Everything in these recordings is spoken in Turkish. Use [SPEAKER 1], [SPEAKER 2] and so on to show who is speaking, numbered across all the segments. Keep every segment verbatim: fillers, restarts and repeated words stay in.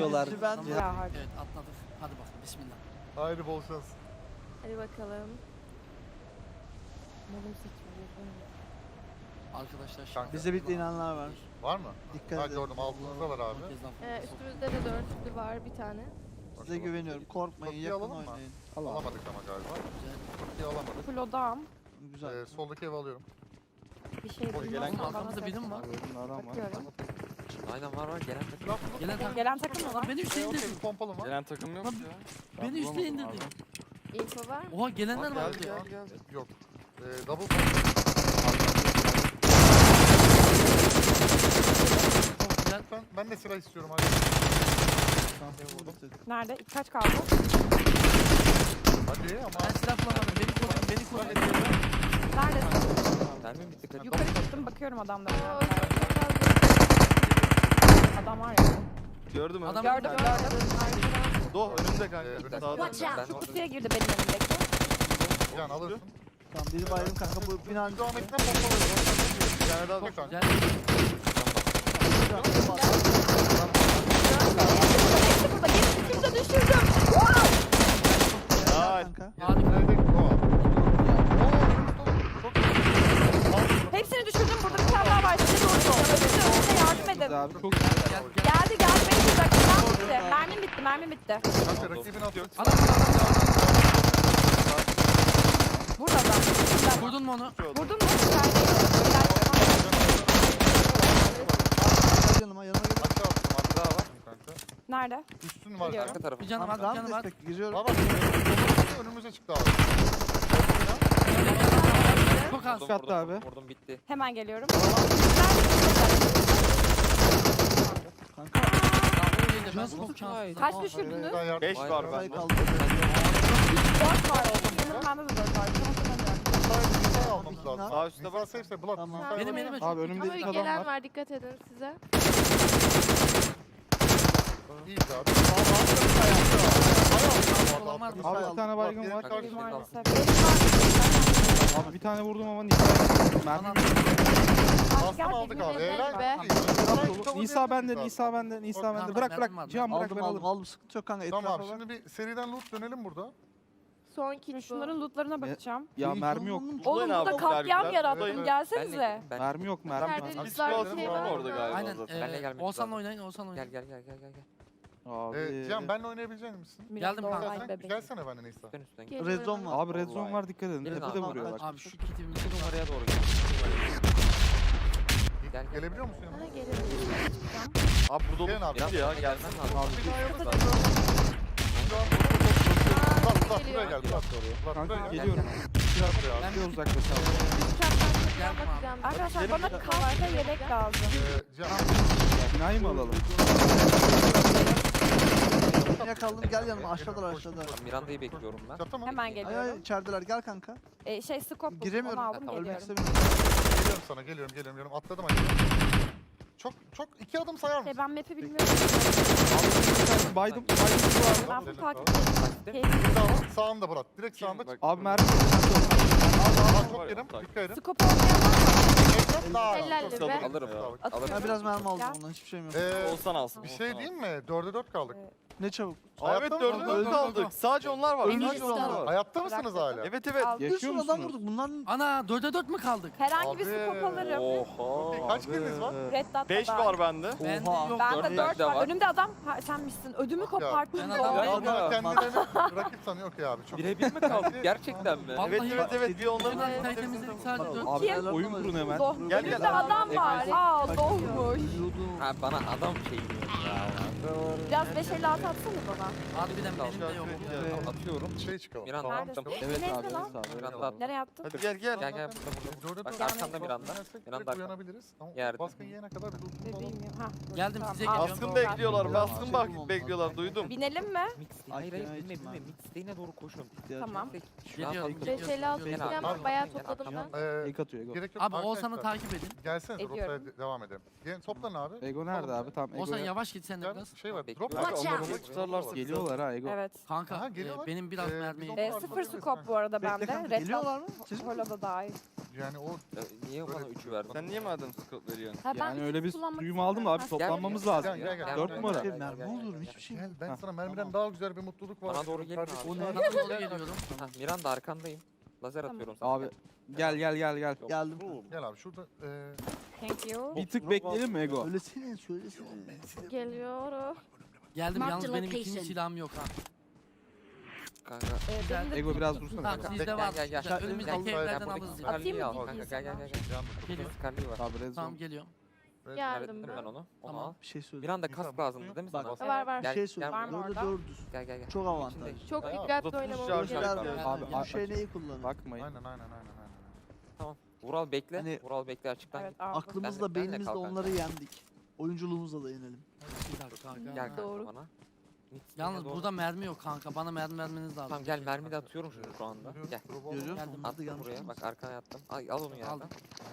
[SPEAKER 1] diyorlar.
[SPEAKER 2] birinci ben
[SPEAKER 3] Ya hadi.
[SPEAKER 4] Evet atladık. Hadi bakalım bismillah.
[SPEAKER 5] Haydi bol şans.
[SPEAKER 3] Hadi bakalım. Malum seçmiyor.
[SPEAKER 4] Arkadaşlar şimdi.
[SPEAKER 5] Kanka.
[SPEAKER 2] Bize bitleyenler var.
[SPEAKER 5] Var mı?
[SPEAKER 2] Dikkat
[SPEAKER 5] Ha
[SPEAKER 2] edin.
[SPEAKER 5] gördüm altımızda var abi.
[SPEAKER 3] Ee, üstümüzde de dörtlü var bir tane.
[SPEAKER 2] Size güveniyorum. Korkmayın,
[SPEAKER 5] Kapıyı
[SPEAKER 2] yakın
[SPEAKER 5] alalım mı?
[SPEAKER 2] oynayın.
[SPEAKER 5] Alamadık ama galiba. Kapıyı alamadık.
[SPEAKER 3] Full odam.
[SPEAKER 2] Güzel.
[SPEAKER 5] Ee, soldaki evi alıyorum.
[SPEAKER 3] Bir şey
[SPEAKER 5] O
[SPEAKER 3] bilmem
[SPEAKER 5] gelen
[SPEAKER 3] ama
[SPEAKER 4] arkamızda
[SPEAKER 3] bana
[SPEAKER 4] biri mi var?
[SPEAKER 3] bakıyorum.
[SPEAKER 1] Aynen var var gelen takım.
[SPEAKER 5] Laf
[SPEAKER 4] Gelen takım.
[SPEAKER 3] Gelen takım mı var?
[SPEAKER 4] Beni
[SPEAKER 5] Ee,
[SPEAKER 4] üstüne
[SPEAKER 5] okey,
[SPEAKER 4] indirdi.
[SPEAKER 5] pompalı mı?
[SPEAKER 6] Gelen takım yok
[SPEAKER 4] Lan,
[SPEAKER 6] ya.
[SPEAKER 4] Beni üstüne indirdi.
[SPEAKER 3] Info var mı?
[SPEAKER 4] Oha gelenler var.
[SPEAKER 6] Gel
[SPEAKER 4] diyor.
[SPEAKER 6] gel gel.
[SPEAKER 5] Yok. Ee, double
[SPEAKER 4] Gelen-
[SPEAKER 5] ben, ben de sıra istiyorum hadi.
[SPEAKER 3] Nerede? Kaç kaldı?
[SPEAKER 5] Hadi ama
[SPEAKER 4] Ben silah bulamadım. Beni koruyun. Beni koruyun.
[SPEAKER 3] Neredesin?
[SPEAKER 1] Mermi bitti kaç.
[SPEAKER 3] Yukarı çıktım bakıyorum adamlara.
[SPEAKER 7] Oo, çok fazla.
[SPEAKER 3] Adam var ya.
[SPEAKER 6] Gördüm
[SPEAKER 4] Adam-
[SPEAKER 6] önümde.
[SPEAKER 3] Gördüm gördüm.
[SPEAKER 6] Do önümde
[SPEAKER 5] Ee,
[SPEAKER 6] kanka.
[SPEAKER 5] önümde.
[SPEAKER 6] Sağda.
[SPEAKER 7] Watch out.
[SPEAKER 1] Ben
[SPEAKER 3] Şu kutuya girdi benim önümdeki.
[SPEAKER 5] can alırsın.
[SPEAKER 2] Tamam biri baygın kanka bu binanın
[SPEAKER 5] Devam etme pompalı.
[SPEAKER 6] Bir tane daha
[SPEAKER 5] Çok kanka.
[SPEAKER 4] Gel.
[SPEAKER 3] Hepsi burada. Geri de düşürdüm.
[SPEAKER 6] Ay.
[SPEAKER 2] kanka.
[SPEAKER 4] Harika.
[SPEAKER 5] Nerede? O. Oo, çok iyi.
[SPEAKER 3] Hepsini düşürdüm. Burada bir tane daha var. Size doğru. Size yardım edin.
[SPEAKER 6] Abi çok
[SPEAKER 4] Gel gel gel.
[SPEAKER 3] Geldi geldi. Beni vuracak. Tamam bitti. Mermim bitti. Mermim bitti.
[SPEAKER 5] Kanka rakibini atıyor.
[SPEAKER 4] Adam adam
[SPEAKER 3] Burada da.
[SPEAKER 4] adam. Vurdun mu onu?
[SPEAKER 3] Vurdun mu? İçerideydi.
[SPEAKER 2] Gel yanıma yanıma gel.
[SPEAKER 5] Aşağı attım hatta var. Kanka.
[SPEAKER 3] Nerede?
[SPEAKER 5] Üstün var
[SPEAKER 3] Geliyorum.
[SPEAKER 1] Arka tarafı.
[SPEAKER 4] Bir canım var. Bir
[SPEAKER 2] Tamam
[SPEAKER 4] canım var.
[SPEAKER 2] destek giriyorum.
[SPEAKER 5] Baba önümüze çıktı abi.
[SPEAKER 4] Çok az.
[SPEAKER 1] Vurdum,
[SPEAKER 6] Kattı
[SPEAKER 1] vurdum,
[SPEAKER 6] abi.
[SPEAKER 1] vurdum, Vurdum bitti.
[SPEAKER 3] Hemen geliyorum.
[SPEAKER 2] Kanka.
[SPEAKER 4] Ben çok şanslıyım.
[SPEAKER 3] Kaç düşürdünüz?
[SPEAKER 6] beş var
[SPEAKER 2] Sayı
[SPEAKER 6] bende.
[SPEAKER 2] kaldı.
[SPEAKER 3] dört var. Benim bende de dört var.
[SPEAKER 5] Nisa almamız lazım.
[SPEAKER 6] Sağ üstte
[SPEAKER 5] Nisa safe'se Bulat.
[SPEAKER 2] Tamam.
[SPEAKER 5] Nisa
[SPEAKER 4] Benim
[SPEAKER 5] var.
[SPEAKER 4] elime
[SPEAKER 6] Abi önümde
[SPEAKER 7] Ama
[SPEAKER 6] ilk
[SPEAKER 7] bir
[SPEAKER 6] adam
[SPEAKER 7] gelen
[SPEAKER 6] var.
[SPEAKER 7] var, dikkat edin size.
[SPEAKER 5] İyiyiz abi.
[SPEAKER 4] Olan var mı?
[SPEAKER 6] Abi bir tane baygın
[SPEAKER 5] Bak,
[SPEAKER 6] var.
[SPEAKER 5] diğer karşı-
[SPEAKER 3] Maalesef. Benim var.
[SPEAKER 6] Abi bir tane vurdum ama Nisa. Mermi.
[SPEAKER 5] Bastım aldık abi. Helal
[SPEAKER 7] be.
[SPEAKER 6] Nisa bende, Nisa bende, Nisa
[SPEAKER 4] Tamam,
[SPEAKER 6] bende. Bırak
[SPEAKER 4] mermim
[SPEAKER 6] bırak.
[SPEAKER 4] var.
[SPEAKER 6] Cihan bırak
[SPEAKER 2] Aldım
[SPEAKER 6] ben
[SPEAKER 2] aldım
[SPEAKER 6] alırım.
[SPEAKER 2] aldım sıkıntı yok kanka etrafa
[SPEAKER 5] Tamam abi
[SPEAKER 2] bak.
[SPEAKER 5] şimdi bir seriden loot dönelim burada.
[SPEAKER 7] Son kill bu.
[SPEAKER 3] Şunların lootlarına bakacağım.
[SPEAKER 6] Ya mermi yok.
[SPEAKER 3] Oğlum burada katliam yarattım.
[SPEAKER 5] Evet.
[SPEAKER 3] Gelsenize.
[SPEAKER 1] Ben
[SPEAKER 6] Mermi yok mermi.
[SPEAKER 7] İçeride
[SPEAKER 6] yok.
[SPEAKER 7] lütfen
[SPEAKER 5] Biz
[SPEAKER 7] şey
[SPEAKER 5] var
[SPEAKER 7] var
[SPEAKER 5] orada
[SPEAKER 7] mı?
[SPEAKER 5] galiba.
[SPEAKER 4] Aynen.
[SPEAKER 1] Benle
[SPEAKER 4] Ee,
[SPEAKER 1] gelmek
[SPEAKER 4] Oğuzhan'la
[SPEAKER 1] lazım.
[SPEAKER 4] oynayın. Oğuzhan'la
[SPEAKER 1] Gel
[SPEAKER 4] oynayın.
[SPEAKER 1] gel gel gel gel. gel.
[SPEAKER 6] Abi.
[SPEAKER 5] Ee, Cihan benle oynayabilecek misin?
[SPEAKER 4] Geldim kanka.
[SPEAKER 3] Ay
[SPEAKER 5] Sen
[SPEAKER 3] bebeğim.
[SPEAKER 5] gelsene benimle Nisa.
[SPEAKER 1] Üstten üstten.
[SPEAKER 7] Gel.
[SPEAKER 2] Red zone var.
[SPEAKER 6] Abi red zone var dikkat edin.
[SPEAKER 1] Gelin
[SPEAKER 6] Tepede
[SPEAKER 1] abi.
[SPEAKER 6] vuruyor bak.
[SPEAKER 4] Abi şu kitimi
[SPEAKER 1] İki numaraya doğru gel. Gel, gel.
[SPEAKER 5] Gelebiliyor musun yanıma?
[SPEAKER 7] Bana gelelim.
[SPEAKER 6] Abi burada
[SPEAKER 5] Gelin abi.
[SPEAKER 1] Biraz
[SPEAKER 6] ya
[SPEAKER 1] sonra gelmen lazım.
[SPEAKER 6] Abi
[SPEAKER 5] Bulat Bulat
[SPEAKER 7] Geliyor.
[SPEAKER 5] buraya gel. Bulat Bulat
[SPEAKER 6] kanka
[SPEAKER 5] buraya gel.
[SPEAKER 6] geliyorum.
[SPEAKER 5] Biraz buraya
[SPEAKER 6] Ben
[SPEAKER 5] abi.
[SPEAKER 6] bir uzaklaşalım.
[SPEAKER 4] Gel tamam.
[SPEAKER 7] Bakacağım.
[SPEAKER 3] Arkadaşlar bana kask ve yelek lazım.
[SPEAKER 5] Ee, Cihan.
[SPEAKER 6] Binayı mı alalım?
[SPEAKER 2] Yakaldım gel yanıma aşağıdalar aşağıda.
[SPEAKER 1] Ben Miranda'yı bekliyorum ben.
[SPEAKER 5] Çatı mı?
[SPEAKER 3] Hemen
[SPEAKER 2] Ay ay
[SPEAKER 3] geliyorum.
[SPEAKER 2] içerideler gel kanka.
[SPEAKER 3] Ee, şey scope buldum.
[SPEAKER 2] Giremiyorum.
[SPEAKER 3] Onu aldım
[SPEAKER 1] Tamam,
[SPEAKER 2] Ölmek
[SPEAKER 3] geliyorum.
[SPEAKER 2] istemiyorum.
[SPEAKER 5] Geliyorum sana geliyorum geliyorum geliyorum. Atladım hadi. Çok çok iki adım sayar mısın?
[SPEAKER 3] Şey ben map'i bilmiyorum.
[SPEAKER 6] Baydım. Baydım bu abi.
[SPEAKER 3] Ben full
[SPEAKER 5] Senin
[SPEAKER 3] takip
[SPEAKER 5] sağ-
[SPEAKER 3] ediyorum.
[SPEAKER 1] Takipte mi?
[SPEAKER 3] Keyifli.
[SPEAKER 5] Sağ- Sağında Bulat. Direkt sağında.
[SPEAKER 6] Bak, abi mermi.
[SPEAKER 5] Aa, çok yerim. Dikkat edin.
[SPEAKER 3] Scope olmayan var mı?
[SPEAKER 5] Ekran daha.
[SPEAKER 7] Helal
[SPEAKER 5] Çok
[SPEAKER 7] be.
[SPEAKER 5] sağlık.
[SPEAKER 1] Alırım.
[SPEAKER 5] Sağlık.
[SPEAKER 2] Ben
[SPEAKER 3] Atıyorum.
[SPEAKER 2] biraz mermi aldım
[SPEAKER 3] Gel.
[SPEAKER 2] ondan hiçbir şeyim yok.
[SPEAKER 5] Ee,
[SPEAKER 6] Olsan alsın.
[SPEAKER 5] bir şey diyeyim mi? Dörde dört kaldık.
[SPEAKER 2] Ne çabuk.
[SPEAKER 6] Evet
[SPEAKER 5] Hayatta
[SPEAKER 6] dördü
[SPEAKER 5] mısınız?
[SPEAKER 6] dördü aldık. Sadece onlar var.
[SPEAKER 2] Ölmüş
[SPEAKER 6] Sadece onlar
[SPEAKER 2] onlar.
[SPEAKER 6] var.
[SPEAKER 5] Hayatta mısınız hala?
[SPEAKER 6] Evet evet.
[SPEAKER 3] Aldım.
[SPEAKER 2] Bir
[SPEAKER 6] Yaşıyor
[SPEAKER 2] sürü adam
[SPEAKER 6] musunuz?
[SPEAKER 2] vurduk bunlar.
[SPEAKER 4] Ana dörde dört mü kaldık?
[SPEAKER 3] Herhangi bir
[SPEAKER 5] Abi.
[SPEAKER 3] scope alırım.
[SPEAKER 6] Oha.
[SPEAKER 5] Kaç kiliniz var?
[SPEAKER 3] Red Dot'ta
[SPEAKER 6] beş
[SPEAKER 3] da.
[SPEAKER 6] var bende.
[SPEAKER 4] Bende
[SPEAKER 2] Oha.
[SPEAKER 4] yok.
[SPEAKER 3] Ben
[SPEAKER 1] Dört
[SPEAKER 3] de
[SPEAKER 1] bende
[SPEAKER 3] dört var.
[SPEAKER 1] var.
[SPEAKER 3] Önümde adam. Ha, sen misin? Ödümü koparttın.
[SPEAKER 4] Ben
[SPEAKER 3] da
[SPEAKER 4] adam
[SPEAKER 3] o.
[SPEAKER 4] değilim.
[SPEAKER 5] Ya
[SPEAKER 6] Ya.
[SPEAKER 5] kendilerini rakip sanıyor ki abi. Çok
[SPEAKER 1] Birebir mi kaldık? Gerçekten mi?
[SPEAKER 4] Vallahi
[SPEAKER 6] Evet evet evet. Bir onların
[SPEAKER 4] Onların kalitemizdeki sadece dört.
[SPEAKER 6] Abi
[SPEAKER 3] Kim?
[SPEAKER 6] oyun kurun hemen.
[SPEAKER 3] Doh.
[SPEAKER 6] Gel,
[SPEAKER 3] Önümde
[SPEAKER 6] gel.
[SPEAKER 3] adam var. Aa dohmuş.
[SPEAKER 1] Ha bana adam şey diyor ya.
[SPEAKER 3] Biraz beş elli altı atsana bana.
[SPEAKER 4] Harbiden benim de yok.
[SPEAKER 2] Evet.
[SPEAKER 1] Atıyorum.
[SPEAKER 5] şey çıkalım.
[SPEAKER 1] Miranda
[SPEAKER 5] Tamam,
[SPEAKER 1] attım.
[SPEAKER 5] tamam.
[SPEAKER 6] Evet
[SPEAKER 3] Neyse
[SPEAKER 6] abi.
[SPEAKER 3] lan.
[SPEAKER 6] Evet abi.
[SPEAKER 1] Miranda attım.
[SPEAKER 3] Nereye attın?
[SPEAKER 6] Hadi gel gel.
[SPEAKER 1] Gel gel burada burada.
[SPEAKER 5] Dörde
[SPEAKER 1] Bak
[SPEAKER 5] dört
[SPEAKER 1] arkanda
[SPEAKER 5] kaldık.
[SPEAKER 1] Miranda.
[SPEAKER 5] Yenersek direkt
[SPEAKER 1] Miranda arkanda.
[SPEAKER 5] uyanabiliriz. Ama
[SPEAKER 1] Yerde.
[SPEAKER 5] baskın yiyene kadar bir loot'umuz
[SPEAKER 3] Bebeğim
[SPEAKER 5] alalım.
[SPEAKER 3] ya. Ha.
[SPEAKER 4] Geldim size
[SPEAKER 3] Tamam.
[SPEAKER 4] geliyorum.
[SPEAKER 6] Baskın bekliyorlar. Baskın bak bekliyorlar. Duydum.
[SPEAKER 3] Binelim mi?
[SPEAKER 1] Mix değil. Hayır hayır
[SPEAKER 2] Ay,
[SPEAKER 1] bilme
[SPEAKER 2] ihtimal.
[SPEAKER 1] bilme. Mix değine doğru koşun.
[SPEAKER 3] Tamam.
[SPEAKER 4] Geliyorum.
[SPEAKER 7] beş elli altı
[SPEAKER 1] Gel
[SPEAKER 7] falan
[SPEAKER 1] abi.
[SPEAKER 7] var. Bayağı
[SPEAKER 1] Gel
[SPEAKER 7] topladım
[SPEAKER 1] abi.
[SPEAKER 7] ben.
[SPEAKER 5] Ee,
[SPEAKER 6] Ego atıyor Ego.
[SPEAKER 5] gerek yok.
[SPEAKER 4] Abi Oğuzhan'ı
[SPEAKER 5] Arkadaşlar,
[SPEAKER 4] takip edin.
[SPEAKER 5] Gelsene
[SPEAKER 3] Ediyorum.
[SPEAKER 5] rotaya de- devam edelim. Gelin toplan abi.
[SPEAKER 6] Ego nerede abi? Tamam
[SPEAKER 4] Oğuzhan
[SPEAKER 6] Ego'ya.
[SPEAKER 4] yavaş git sen de
[SPEAKER 5] Gel,
[SPEAKER 4] biraz.
[SPEAKER 5] şey var.
[SPEAKER 1] Bekliyorum.
[SPEAKER 5] Drop var.
[SPEAKER 7] Watch
[SPEAKER 5] Onları
[SPEAKER 7] out.
[SPEAKER 5] oraya tutarlarsa.
[SPEAKER 6] Geliyorlar ha Ego.
[SPEAKER 3] Evet.
[SPEAKER 4] Kanka
[SPEAKER 5] Aha,
[SPEAKER 4] e,
[SPEAKER 5] geliyorlar.
[SPEAKER 4] benim biraz
[SPEAKER 5] Ee,
[SPEAKER 4] mermi.
[SPEAKER 5] biz
[SPEAKER 3] E,
[SPEAKER 5] onlarla
[SPEAKER 3] sıfır
[SPEAKER 5] bakabiliriz
[SPEAKER 3] scope bu arada
[SPEAKER 2] Bekle
[SPEAKER 3] bende.
[SPEAKER 2] kanka
[SPEAKER 3] Red
[SPEAKER 2] geliyorlar mı?
[SPEAKER 3] Dot
[SPEAKER 2] Siz mi?
[SPEAKER 3] Holo'da dahil.
[SPEAKER 5] Yani o
[SPEAKER 1] Ya niye bana
[SPEAKER 5] Böyle-
[SPEAKER 1] üçü verdin?
[SPEAKER 6] Sen niye madem scope veriyorsun?
[SPEAKER 3] Ha, ben
[SPEAKER 6] Yani
[SPEAKER 3] üç
[SPEAKER 6] öyle bir
[SPEAKER 3] kullanmak
[SPEAKER 6] duyum aldım da abi
[SPEAKER 3] istemiyorum.
[SPEAKER 6] toplanmamız
[SPEAKER 1] Gel,
[SPEAKER 6] lazım.
[SPEAKER 5] gel, gel, gel.
[SPEAKER 6] Dört
[SPEAKER 5] Gel,
[SPEAKER 6] numara.
[SPEAKER 2] Şey,
[SPEAKER 5] gel,
[SPEAKER 2] mermi
[SPEAKER 5] gel,
[SPEAKER 2] olur mu?
[SPEAKER 5] gel.
[SPEAKER 2] Hiçbir şey
[SPEAKER 5] Gel
[SPEAKER 2] yok.
[SPEAKER 5] ben
[SPEAKER 6] Hah,
[SPEAKER 5] sana mermiden
[SPEAKER 2] tamam.
[SPEAKER 5] daha güzel bir mutluluk var.
[SPEAKER 1] Bana doğru gelin
[SPEAKER 5] Kardeşim,
[SPEAKER 1] abi.
[SPEAKER 2] O ne?
[SPEAKER 4] Bana doğru geliyorum.
[SPEAKER 1] Ha, Miranda arkandayım. Lazer
[SPEAKER 3] Tamam.
[SPEAKER 1] atıyorum sana.
[SPEAKER 6] Abi gel gel gel gel.
[SPEAKER 2] Geldim.
[SPEAKER 5] Gel abi şurada e,
[SPEAKER 3] Thank you.
[SPEAKER 6] Bir tık bekleyelim mi Ego?
[SPEAKER 2] Söylesene söylesene.
[SPEAKER 7] Geliyorum.
[SPEAKER 4] Geldim
[SPEAKER 3] Mark
[SPEAKER 4] yalnız
[SPEAKER 3] the
[SPEAKER 4] benim
[SPEAKER 3] location.
[SPEAKER 4] ikinci silahım yok ha.
[SPEAKER 1] Kanka.
[SPEAKER 3] Ee,
[SPEAKER 4] Güzel.
[SPEAKER 3] benim de
[SPEAKER 6] Ego
[SPEAKER 3] bir-
[SPEAKER 6] biraz dursana.
[SPEAKER 4] Tamam
[SPEAKER 6] kanka.
[SPEAKER 4] sizde
[SPEAKER 1] Gel,
[SPEAKER 4] var.
[SPEAKER 1] gel, gel.
[SPEAKER 4] Güzel,
[SPEAKER 2] Gel,
[SPEAKER 4] Önümüzdeki
[SPEAKER 2] gel,
[SPEAKER 4] evlerden
[SPEAKER 1] buradaki
[SPEAKER 4] alırız ya.
[SPEAKER 1] Scarlet'i
[SPEAKER 3] Atayım
[SPEAKER 1] al
[SPEAKER 3] mı
[SPEAKER 1] kanka.
[SPEAKER 3] bilgisini
[SPEAKER 1] Gel gel
[SPEAKER 3] sana?
[SPEAKER 1] gel. gel.
[SPEAKER 5] can
[SPEAKER 4] Geliyor.
[SPEAKER 1] Scarlet'i var.
[SPEAKER 6] Abi red
[SPEAKER 4] Tamam
[SPEAKER 6] zone.
[SPEAKER 4] geliyorum.
[SPEAKER 7] Geldim
[SPEAKER 1] Hallettim
[SPEAKER 7] ben.
[SPEAKER 1] ben onu. Onu
[SPEAKER 4] Tamam.
[SPEAKER 1] al.
[SPEAKER 2] Bir şey söyle.
[SPEAKER 1] Miranda
[SPEAKER 5] İnsan
[SPEAKER 1] kask lazımdı değil mi sana?
[SPEAKER 2] Bak.
[SPEAKER 7] Var var.
[SPEAKER 2] Bir
[SPEAKER 1] Gel,
[SPEAKER 2] şey
[SPEAKER 1] gel
[SPEAKER 2] söyle.
[SPEAKER 3] Var mı
[SPEAKER 2] Dördü
[SPEAKER 3] orada?
[SPEAKER 2] dördüz.
[SPEAKER 1] Gel gel gel.
[SPEAKER 2] Çok avantaj.
[SPEAKER 7] Çok
[SPEAKER 5] Bayağı
[SPEAKER 7] dikkatli
[SPEAKER 6] uzatılmış
[SPEAKER 7] oynamamız
[SPEAKER 6] şarj
[SPEAKER 7] gerekiyor.
[SPEAKER 6] şarkı.
[SPEAKER 2] Abi
[SPEAKER 4] Gel,
[SPEAKER 2] bu şey neyi kullanır?
[SPEAKER 6] Bakmayın.
[SPEAKER 5] Aynen aynen aynen aynen.
[SPEAKER 1] Vural bekle.
[SPEAKER 2] Hani-
[SPEAKER 1] Vural bekle açıktan
[SPEAKER 3] Evet
[SPEAKER 1] git.
[SPEAKER 3] abi.
[SPEAKER 2] Aklımızla
[SPEAKER 1] Ben de- ben de
[SPEAKER 2] beynimizle
[SPEAKER 1] kalkan.
[SPEAKER 2] onları yendik. Oyunculuğumuzla da yenelim.
[SPEAKER 4] Bir dakika kanka.
[SPEAKER 1] Gel kanka
[SPEAKER 7] Doğru.
[SPEAKER 1] bana. Git,
[SPEAKER 4] Yalnız
[SPEAKER 1] doğru.
[SPEAKER 4] burada mermi yok kanka. Bana mermi vermeniz lazım.
[SPEAKER 1] Tamam gel mermi de atıyorum şunu şu anda. Gel.
[SPEAKER 2] Görüyor musun?
[SPEAKER 4] Geldim.
[SPEAKER 2] Onları da
[SPEAKER 1] Attım
[SPEAKER 2] yanlış
[SPEAKER 1] buraya.
[SPEAKER 2] olmasın.
[SPEAKER 1] Bak arkana yattım. Ay al onu yerden.
[SPEAKER 4] Aldım.